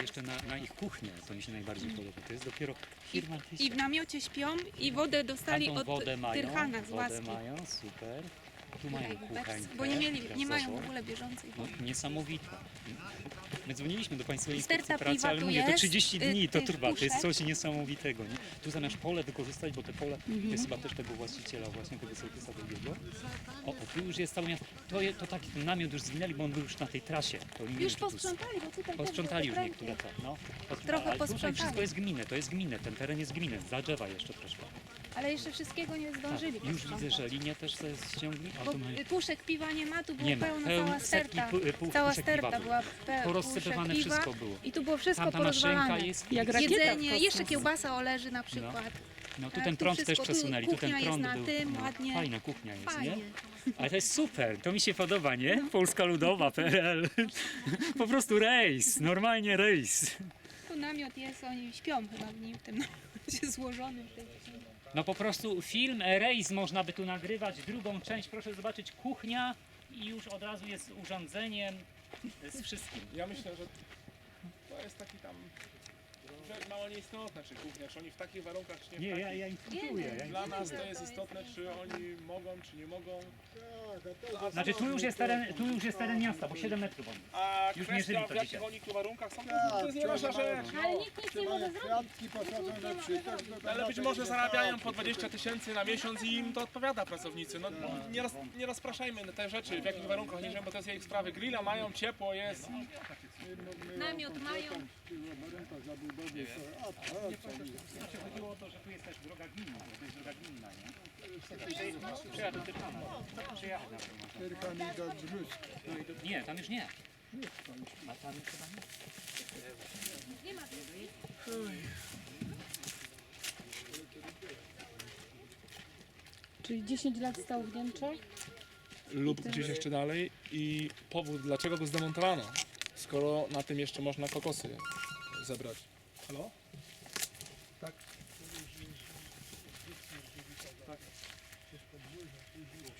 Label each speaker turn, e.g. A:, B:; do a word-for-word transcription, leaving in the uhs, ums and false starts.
A: jeszcze na, na ich kuchnię, to mi się najbardziej podoba. To jest dopiero firma Tysia.
B: I w namiocie śpią i wodę dostali
A: Tamtą
B: od
A: wodę mają,
B: Tyrchana z
A: wodę
B: łaski.
A: mają, super. Tu mają kuchańkę.
B: Bo nie mieli, nie mają w
A: gazową.
B: ogóle bieżącej
A: No,
B: wody.
A: niesamowita. My dzwoniliśmy do Państwowej
B: Sterta
A: Inspekcji Pracy,
B: piwa
A: ale
B: tu
A: mówię, to
B: jest,
A: trzydzieści
B: y,
A: dni to
B: tych
A: trwa, to jest
B: puszek.
A: coś niesamowitego. Nie? Tu zamiast pole wykorzystać, bo te pole to jest chyba też tego właściciela, właśnie tego sołtysa drugiego. O, o, tu już jest całe miasto. To, je, to taki ten namiot już zwinęli, bo on był już na tej trasie. To nie wiem,
B: Już
A: czy tu-
B: posprzątali, bo tutaj
A: Posprzątali
B: też
A: już
B: były
A: niektóre te, no. Posprzątali.
B: Trochę
A: Ale tutaj
B: posprzątali.
A: wszystko jest gminne, to jest gminne, ten teren jest gminny, za drzewa jeszcze troszkę.
B: Ale jeszcze wszystkiego nie zdążyli
A: Już
B: posprzątać.
A: widzę, że linie też sobie ściągli. A
B: Bo
A: tu mają...
B: puszek piwa nie ma, tu było
A: Nie ma.
B: pełno,
A: Pełno-
B: cała
A: setki
B: sterta.
A: pu- pu-
B: Cała
A: puszek piwa
B: sterta
A: było.
B: była pe-
A: Porozsypywane
B: puszek piwa
A: wszystko było.
B: I tu było wszystko
A: Tamta maszynka
B: porozwalane.
A: jest...
C: Jak
A: jest-
C: rakieta
B: Jedzenie,
C: w kosmos.
B: jeszcze kiełbasa oleży na przykład.
A: No tu
B: Tak,
A: ten
B: tu
A: prąd też
B: wszystko, tu
A: przesunęli, tu ten
B: kuchnia jest
A: prąd
B: na
A: był.
B: tym,
A: no,
B: ładnie.
A: Fajna kuchnia jest,
B: Fajnie.
A: nie? Ale to jest super, to mi się podoba, nie? Polska Ludowa, P R L. Po prostu rejs, normalnie rejs.
B: Tu namiot jest, oni śpią chyba w nim, w tym namiocie złożonym. w tej-
A: No po prostu film rejs można by tu nagrywać, drugą część, proszę zobaczyć, kuchnia i już od razu jest urządzeniem z wszystkim.
D: Ja myślę, że to jest taki tam rzecz mało nieistotna, czy kuchnia, czy oni w takich warunkach, czy nie w
A: Nie,
D: takich.
A: ja, ja informuję. Ja
D: Dla nas to jest istotne, czy oni mogą, czy nie mogą.
A: Znaczy tu już jest teren, tu już jest teren miasta, bo siedem metrów on.
D: A
A: Już
D: kwestia,
A: mierzyli to
D: w jakich
A: dzisiaj.
D: oni tu warunkach są, to, to jest nieważna rzecz.
B: Ale nikt nic nie może zrobić.
E: Kwiatki posadzone przy
D: Ale być może zarabiają po dwadzieścia tysięcy na miesiąc i im to odpowiada pracownicy. No, nie, roz, nie rozpraszajmy na te rzeczy, w jakich warunkach nie żyją, bo to jest ich sprawy. Grilla mają, ciepło jest.
B: Namiot mają.
A: Znaczy chodziło o to, że tu jest też droga gminna, to jest droga gminna, nie? Przyjadę do Tyrchana. Przyjechać nawet można.
E: Tyrchami do Brzusk.
A: Nie, tam już nie. A tam już chyba nie.
C: Czyli dziesięć lat stał w Niemczech?
D: Lub gdzieś jeszcze dalej. I powód, dlaczego go zdemontowano, skoro na tym jeszcze można kokosy zebrać. Halo?